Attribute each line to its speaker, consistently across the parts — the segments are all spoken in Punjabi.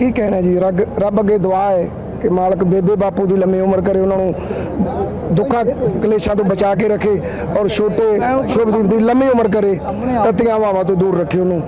Speaker 1: ਕੀ ਕਹਿਣਾ ਜੀ, ਰੱਬ ਅੱਗੇ ਦੁਆ ਹੈ ਕਿ ਮਾਲਕ ਬੇਬੇ ਬਾਪੂ ਦੀ ਲੰਮੀ ਉਮਰ ਕਰੇ, ਉਹਨਾਂ ਨੂੰ ਦੁੱਖਾਂ ਕਲੇਸ਼ਾਂ ਤੋਂ ਬਚਾ ਕੇ ਰੱਖੇ ਔਰ ਛੋਟੇ ਸ਼ੁਭਦੀਪ ਦੀ ਲੰਮੀ ਉਮਰ ਕਰੇ, ਤੱਤੀਆਂ ਹਵਾਵਾਂ ਤੋਂ ਦੂਰ ਰੱਖੇ ਉਹਨੂੰ।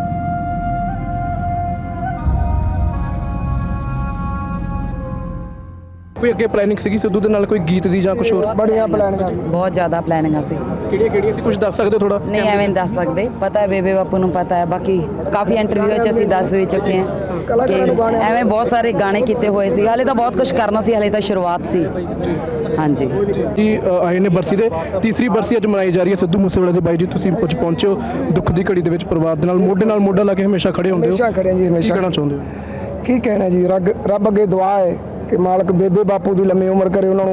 Speaker 2: ਕੋਈ ਅੱਗੇ ਪਲੈਨਿੰਗ ਸੀਗੀ ਸਿੱਧੂ ਦੇ ਨਾਲ ਕੋਈ ਗੀਤ ਦੀ ਜਾਂ ਕੁਝ ਹੋਰ?
Speaker 1: ਬੜੀਆਂ ਪਲਾਨਿੰਗਾਂ ਸੀ।
Speaker 3: ਬਹੁਤ ਜ਼ਿਆਦਾ ਪਲੈਨਿੰਗਾਂ ਸੀ।
Speaker 2: ਕਿਹੜੀਆਂ ਸੀ, ਕੁਝ ਦੱਸ ਸਕਦੇ ਥੋੜਾ?
Speaker 3: ਨਹੀਂ ਐਵੇਂ ਨਹੀਂ ਦੱਸ ਸਕਦੇ, ਪਤਾ ਹੈ ਬੇਬੇ ਬਾਪੂ ਨੂੰ ਪਤਾ ਹੈ। ਬਾਕੀ ਕਾਫੀ ਇੰਟਰਵਿਊ 'ਚ ਅਸੀਂ ਦੱਸ ਵੀ ਚੁੱਕੇ ਹਾਂ ਕਿ ਐਵੇਂ ਬਹੁਤ ਸਾਰੇ ਗਾਣੇ ਕੀਤੇ ਹੋਏ ਸੀ। ਹਾਲੇ ਤਾਂ ਬਹੁਤ ਕੁਝ ਕਰਨਾ ਸੀ, ਹਾਲੇ ਤਾਂ ਸ਼ੁਰੂਆਤ ਸੀ। ਹਾਂਜੀ
Speaker 2: ਜੀ ਆਏ ਨੇ ਬਰਸੀ ਦੇ ਤੀਸਰੀ ਬਰਸੀ ਅੱਜ ਮਨਾਈ ਜਾ ਰਹੀ ਹੈ ਸਿੱਧੂ ਮੂਸੇਵਾਲੇ ਦੇ। ਬਾਈ ਜੀ ਤੁਸੀਂ ਕੁਝ ਪਹੁੰਚੇ ਹੋ ਦੁੱਖ ਦੀ ਘੜੀ ਦੇ ਵਿੱਚ, ਪਰਿਵਾਰ ਦੇ ਨਾਲ ਮੋਢਾ ਲਾ ਕੇ ਹਮੇਸ਼ਾ ਖੜੇ ਹੁੰਦੇ ਹੋ।
Speaker 1: ਹਮੇਸ਼ਾ ਖੜੇ ਜੀ, ਹਮੇਸ਼ਾ।
Speaker 2: ਕੀ ਕਹਿਣਾ ਚਾਹੁੰਦੇ ਹੋ?
Speaker 1: ਕੀ ਕਹਿਣਾ ਜੀ, ਰੱਬ ਅੱਗੇ ਦੁਆ ਹੈ ਕਿ ਮਾਲਕ ਬੇਬੇ ਬਾਪੂ ਦੀ ਲੰਮੀ ਉਮਰ ਕਰੇ, ਉਹਨਾਂ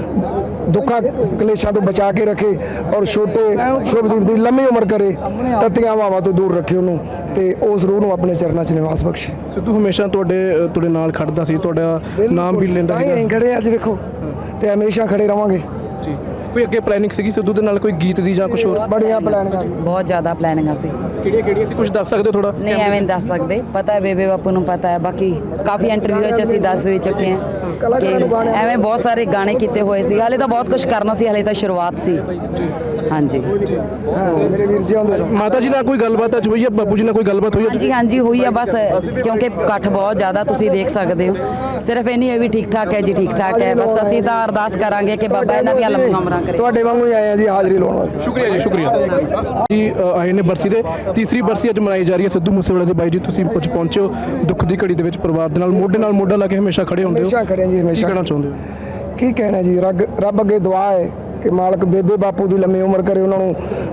Speaker 1: ਨੂੰ ਦੁੱਖਾਂ ਕਲੇਸ਼ਾਂ ਤੋਂ ਬਚਾ ਕੇ ਰੱਖੇ ਔਰ ਛੋਟੇ ਸ਼ੁਭਦੀਪ ਦੀ ਲੰਮੀ ਉਮਰ ਕਰੇ, ਤੱਤੀਆਂ ਹਵਾਵਾਂ ਤੋਂ ਦੂਰ ਰੱਖੇ ਉਹਨੂੰ ਤੇ ਉਸ ਰੂਹ ਨੂੰ ਆਪਣੇ ਚਰਨਾਂ 'ਚ ਨਿਵਾਸ ਬਖਸ਼ੇ।
Speaker 2: ਸਿੱਧੂ ਹਮੇਸ਼ਾ ਤੁਹਾਡੇ ਨਾਲ ਖੜਦਾ ਸੀ, ਤੁਹਾਡਾ ਨਾਮ ਵੀ ਲੈਂਦਾ
Speaker 1: ਸੀ। ਅਸੀਂ ਖੜੇ ਅੱਜ ਵੇਖੋ ਤੇ ਹਮੇਸ਼ਾ ਖੜੇ ਰਵਾਂਗੇ
Speaker 2: ਜੀ। ਕੋਈ ਅੱਗੇ ਪਲੈਨਿੰਗ ਸੀਗੀ ਸਿੱਧੂ ਦੇ ਨਾਲ ਕੋਈ ਗੀਤ ਦੀ ਜਾਂ ਕੁਝ ਹੋਰ?
Speaker 1: ਬੜੀਆਂ ਪਲਾਨਿੰਗਾਂ ਸੀ।
Speaker 3: ਬਹੁਤ ਜ਼ਿਆਦਾ ਪਲੈਨਿੰਗਾਂ ਸੀ।
Speaker 2: ਕਿਹੜੀਆਂ ਸੀ, ਕੁਝ ਦੱਸ ਸਕਦੇ ਥੋੜਾ?
Speaker 3: ਨਹੀਂ ਐਵੇਂ ਨਹੀਂ ਦੱਸ ਸਕਦੇ, ਪਤਾ ਹੈ ਬੇਬੇ ਬਾਪੂ ਨੂੰ ਪਤਾ ਹੈ। ਬਾਕੀ ਕਾਫੀ ਇੰਟਰਵਿਊ 'ਚ ਅਸੀਂ ਦੱਸ ਵੀ ਚੁੱਕੇ ਹਾਂ ਕਿ ਐਵੇਂ ਬਹੁਤ ਸਾਰੇ ਗਾਣੇ ਕੀਤੇ ਹੋਏ ਸੀ। ਹਾਲੇ ਤਾਂ ਬਹੁਤ ਕੁਝ ਕਰਨਾ ਸੀ, ਹਾਲੇ ਤਾਂ ਸ਼ੁਰੂਆਤ ਸੀ। ਹਾਂਜੀ
Speaker 1: ਮੇਰੇ ਵੀਰ ਜੀ ਆਉਂਦੇ ਰਹੋ।
Speaker 2: ਮਾਤਾ ਜੀ ਨਾਲ ਕੋਈ ਗੱਲਬਾਤ ਅੱਜ ਹੋਈ ਹੈ? ਬਾਪੂ ਜੀ ਨਾਲ ਕੋਈ ਗੱਲਬਾਤ ਹੋਈ ਹੈ?
Speaker 3: ਹਾਂਜੀ ਹਾਂਜੀ ਹੋਈ ਆ, ਬਸ ਕਿਉਂਕਿ ਇਕੱਠ ਬਹੁਤ ਜ਼ਿਆਦਾ ਤੁਸੀਂ ਦੇਖ ਸਕਦੇ ਹੋ। ਸਿਰਫ ਇੰਨੀ ਹੈ ਵੀ ਠੀਕ ਠਾਕ ਹੈ ਜੀ, ਠੀਕ ਠਾਕ ਹੈ। ਬਸ ਅਸੀਂ ਤਾਂ ਅਰਦਾਸ ਕਰਾਂਗੇ ਕਿ ਬਾਬਾ ਇਹਨਾਂ ਦੀਆਂ ਲੰਮੀਆਂ ਉਮਰਾਂ ਕਰੇ।
Speaker 1: ਤੁਹਾਡੇ ਵਾਂਗੂ ਹੀ ਆਏ ਆ ਜੀ ਹਾਜ਼ਰੀ ਲਾਉਣ ਵਾਸਤੇ।
Speaker 2: ਸ਼ੁਕਰੀਆ ਜੀ, ਸ਼ੁਕਰੀਆ ਜੀ। ਆਏ ਨੇ ਬਰਸੀ ਦੇ ਤੀਸਰੀ ਬਰਸੀ ਅੱਜ ਮਨਾਈ ਜਾ ਰਹੀ ਹੈ ਸਿੱਧੂ ਮੂਸੇਵਾਲੇ ਦੇ। ਬਾਈ ਜੀ ਤੁਸੀਂ ਕੁਝ ਪਹੁੰਚੇ ਹੋ ਦੁੱਖ ਦੀ ਘੜੀ ਦੇ ਵਿੱਚ, ਪਰਿਵਾਰ ਦੇ ਨਾਲ ਮੋਢਾ ਲਾ ਕੇ ਹਮੇਸ਼ਾ ਖੜੇ ਹੁੰਦੇ ਹੋ।
Speaker 1: ਹਮੇਸ਼ਾ ਖੜੇ ਜੀ, ਹਮੇਸ਼ਾ।
Speaker 2: ਕੀ ਕਹਿਣਾ ਚਾਹੁੰਦੇ ਹੋ?
Speaker 1: ਕੀ ਕਹਿਣਾ ਜੀ, ਰੱਬ ਅੱਗੇ ਦੁਆ ਹੈ ਕਿ ਮਾਲਕ ਬੇਬੇ ਬਾਪੂ ਦੀ ਲੰਮੀ ਉਮਰ ਕਰੇ, ਉਹਨਾਂ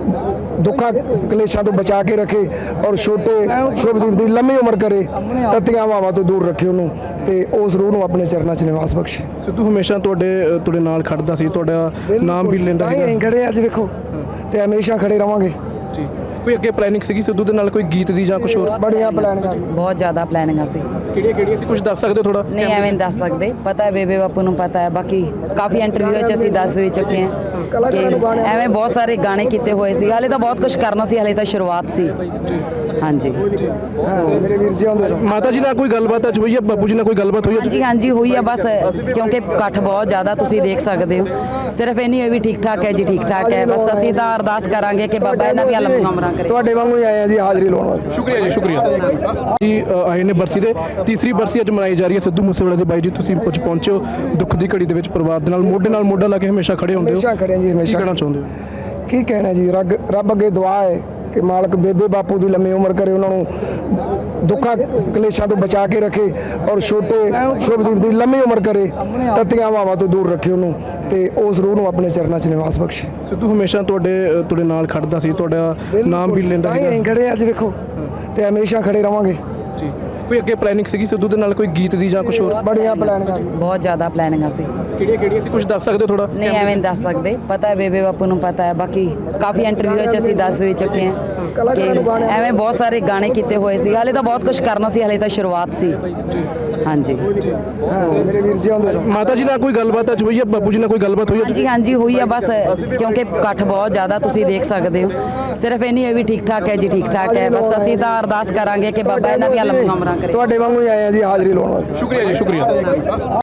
Speaker 1: ਨੂੰ ਦੁੱਖਾਂ ਕਲੇਸ਼ਾਂ ਤੋਂ ਬਚਾ ਕੇ ਰੱਖੇ ਔਰ ਛੋਟੇ ਸ਼ੁਭਦੀਪ ਦੀ ਲੰਮੀ ਉਮਰ ਕਰੇ, ਤੱਤੀਆਂ ਹਵਾਵਾਂ ਤੋਂ ਦੂਰ ਰੱਖੇ ਉਹਨੂੰ ਤੇ ਉਸ ਰੂਹ ਨੂੰ ਆਪਣੇ ਚਰਨਾਂ 'ਚ ਨਿਵਾਸ ਬਖਸ਼ੇ।
Speaker 2: ਸਿੱਧੂ ਹਮੇਸ਼ਾ ਤੁਹਾਡੇ ਨਾਲ ਖੜਦਾ ਸੀ, ਤੁਹਾਡਾ ਨਾਮ ਵੀ ਲੈਂਦਾ ਸੀ।
Speaker 1: ਅਸੀਂ ਖੜੇ ਅੱਜ ਵੇਖੋ ਤੇ ਹਮੇਸ਼ਾ ਖੜੇ ਰਵਾਂਗੇ
Speaker 2: ਜੀ। ਕੋਈ ਅੱਗੇ ਪਲੈਨਿੰਗ ਸੀਗੀ ਸਿੱਧੂ ਦੇ ਨਾਲ ਕੋਈ ਗੀਤ ਦੀ ਜਾਂ ਕੁਝ ਹੋਰ?
Speaker 1: ਬੜੀਆਂ ਪਲਾਨਿੰਗਾਂ ਸੀ।
Speaker 3: ਬਹੁਤ ਜ਼ਿਆਦਾ ਪਲੈਨਿੰਗਾਂ ਸੀ।
Speaker 2: ਕਿਹੜੀਆਂ ਸੀ, ਕੁਝ ਦੱਸ ਸਕਦੇ ਥੋੜਾ?
Speaker 3: ਨਹੀਂ ਐਵੇਂ ਨਹੀਂ ਦੱਸ ਸਕਦੇ, ਪਤਾ ਹੈ ਬੇਬੇ ਬਾਪੂ ਨੂੰ ਪਤਾ ਹੈ। ਬਾਕੀ ਕਾਫੀ ਇੰਟਰਵਿਊ 'ਚ ਅਸੀਂ ਦੱਸ ਵੀ ਚੁੱਕੇ ਹਾਂ ਕਿ ਐਵੇਂ ਬਹੁਤ ਸਾਰੇ ਗਾਣੇ ਕੀਤੇ ਹੋਏ ਸੀ। ਹਾਲੇ ਤਾਂ ਬਹੁਤ ਕੁਝ ਕਰਨਾ ਸੀ, ਹਾਲੇ ਤਾਂ ਸ਼ੁਰੂਆਤ ਸੀ। ਹਾਂਜੀ
Speaker 1: ਮੇਰੇ ਵੀਰ ਜੀ ਆਉਂਦੇ ਰਹੋ।
Speaker 2: ਮਾਤਾ ਜੀ ਨਾਲ ਕੋਈ ਗੱਲਬਾਤ ਅੱਜ ਹੋਈ ਹੈ? ਬਾਪੂ ਜੀ ਨਾਲ ਕੋਈ ਗੱਲਬਾਤ ਹੋਈ ਹੈ?
Speaker 3: ਹਾਂਜੀ ਹਾਂਜੀ ਹੋਈ ਆ, ਬਸ ਕਿਉਂਕਿ ਇਕੱਠ ਬਹੁਤ ਜ਼ਿਆਦਾ ਤੁਸੀਂ ਦੇਖ ਸਕਦੇ ਹੋ। ਸਿਰਫ ਇੰਨੀ ਹੈ ਵੀ ਠੀਕ ਠਾਕ ਹੈ ਜੀ, ਠੀਕ ਠਾਕ ਹੈ। ਬਸ ਅਸੀਂ ਤਾਂ ਅਰਦਾਸ ਕਰਾਂਗੇ ਕਿ ਬਾਬਾ ਇਹਨਾਂ ਦੀਆਂ ਲੰਮੀਆਂ ਉਮਰਾਂ ਕਰੇ।
Speaker 1: ਤੁਹਾਡੇ ਵਾਂਗੂ ਹੀ ਆਏ ਆ ਜੀ ਹਾਜ਼ਰੀ ਲਾਉਣ ਵਾਸਤੇ।
Speaker 2: ਸ਼ੁਕਰੀਆ ਜੀ, ਸ਼ੁਕਰੀਆ ਜੀ। ਆਏ ਨੇ ਬਰਸੀ ਦੇ ਤੀਸਰੀ ਬਰਸੀ ਅੱਜ ਮਨਾਈ ਜਾ ਰਹੀ ਹੈ ਸਿੱਧੂ ਮੂਸੇਵਾਲੇ ਦੇ। ਬਾਈ ਜੀ ਤੁਸੀਂ ਕੁਝ ਪਹੁੰਚੇ ਹੋ ਦੁੱਖ ਦੀ ਘੜੀ ਦੇ ਵਿੱਚ, ਪਰਿਵਾਰ ਦੇ ਨਾਲ ਮੋਢਾ ਲਾ ਕੇ ਹਮੇਸ਼ਾ ਖੜੇ ਹੁੰਦੇ ਹੋ।
Speaker 1: ਹਮੇਸ਼ਾ ਖੜੇ ਜੀ, ਹਮੇਸ਼ਾ।
Speaker 2: ਕੀ ਕਹਿਣਾ ਚਾਹੁੰਦੇ ਹੋ?
Speaker 1: ਕੀ ਕਹਿਣਾ ਜੀ, ਰੱਬ ਅੱਗੇ ਦੁਆ ਹੈ ਕਿ ਮਾਲਕ ਬੇਬੇ ਬਾਪੂ ਦੀ ਲੰਮੀ ਉਮਰ ਕਰੇ, ਉਹਨਾਂ ਨੂੰ ਦੁੱਖਾਂ ਕਲੇਸ਼ਾਂ ਤੋਂ ਬਚਾ ਕੇ ਰੱਖੇ ਔਰ ਛੋਟੇ ਸ਼ੁਭਦੀਪ ਦੀ ਲੰਮੀ ਉਮਰ ਕਰੇ, ਤੱਤੀਆਂ ਹਵਾਵਾਂ ਤੋਂ ਦੂਰ ਰੱਖੇ ਉਹਨੂੰ ਤੇ ਉਸ ਰੂਹ ਨੂੰ ਆਪਣੇ ਚਰਨਾਂ 'ਚ ਨਿਵਾਸ ਬਖਸ਼ੇ।
Speaker 2: ਸਿੱਧੂ ਹਮੇਸ਼ਾ ਤੁਹਾਡੇ ਨਾਲ ਖੜਦਾ ਸੀ, ਤੁਹਾਡਾ ਨਾਮ ਵੀ ਲੈਂਦਾ ਸੀ।
Speaker 1: ਅਸੀਂ ਖੜੇ ਅੱਜ ਵੇਖੋ ਤੇ ਹਮੇਸ਼ਾ ਖੜੇ ਰਵਾਂਗੇ
Speaker 2: ਜੀ। ਕੋਈ ਅੱਗੇ ਪਲੈਨਿੰਗ ਸੀਗੀ ਸਿੱਧੂ ਦੇ ਨਾਲ ਕੋਈ ਗੀਤ ਦੀ ਜਾਂ ਕੁਝ ਹੋਰ?
Speaker 1: ਬੜੀਆਂ ਪਲਾਨਿੰਗਾਂ ਸੀ।
Speaker 3: ਬਹੁਤ ਜ਼ਿਆਦਾ ਪਲੈਨਿੰਗਾਂ ਸੀ।
Speaker 2: ਕਿਹੜੀਆਂ ਸੀ, ਕੁਝ ਦੱਸ ਸਕਦੇ ਥੋੜਾ?
Speaker 3: ਨਹੀਂ ਐਵੇਂ ਨਹੀਂ ਦੱਸ ਸਕਦੇ, ਪਤਾ ਹੈ ਬੇਬੇ ਬਾਪੂ ਨੂੰ ਪਤਾ ਹੈ। ਬਾਕੀ ਕਾਫੀ ਇੰਟਰਵਿਊ 'ਚ ਅਸੀਂ ਦੱਸ ਵੀ ਚੁੱਕੇ ਹਾਂ ਕਿ ਐਵੇਂ ਬਹੁਤ ਸਾਰੇ ਗਾਣੇ ਕੀਤੇ ਹੋਏ ਸੀ। ਹਾਲੇ ਤਾਂ ਬਹੁਤ ਕੁਝ ਕਰਨਾ ਸੀ, ਹਾਲੇ ਤਾਂ ਸ਼ੁਰੂਆਤ ਸੀ। ਹਾਂਜੀ
Speaker 1: ਮੇਰੇ ਵੀਰ ਜੀ ਆਉਂਦੇ ਰਹੋ।
Speaker 2: ਮਾਤਾ ਜੀ ਨਾਲ ਕੋਈ ਗੱਲਬਾਤ ਅੱਜ ਹੋਈ ਹੈ? ਬਾਪੂ ਜੀ ਨਾਲ ਕੋਈ ਗੱਲਬਾਤ ਹੋਈ ਹੈ?
Speaker 3: ਹਾਂਜੀ ਹਾਂਜੀ ਹੋਈ ਆ, ਬਸ ਕਿਉਂਕਿ ਇਕੱਠ ਬਹੁਤ ਜ਼ਿਆਦਾ ਤੁਸੀਂ ਦੇਖ ਸਕਦੇ ਹੋ। ਸਿਰਫ ਇੰਨੀ ਹੈ ਵੀ ਠੀਕ ਠਾਕ ਹੈ ਜੀ, ਠੀਕ ਠਾਕ ਹੈ। ਬਸ ਅਸੀਂ ਤਾਂ ਅਰਦਾਸ ਕਰਾਂਗੇ ਕਿ ਬਾਬਾ ਇਹਨਾਂ ਦੀਆਂ ਲੰਮੀਆਂ ਉਮਰਾਂ ਕਰੇ।
Speaker 1: ਤੁਹਾਡੇ ਵਾਂਗੂ ਹੀ ਆਏ ਆ ਜੀ ਹਾਜ਼ਰੀ ਲਾਉਣ ਵਾਸਤੇ।
Speaker 2: ਸ਼ੁਕਰੀਆ ਜੀ, ਸ਼ੁਕਰੀਆ।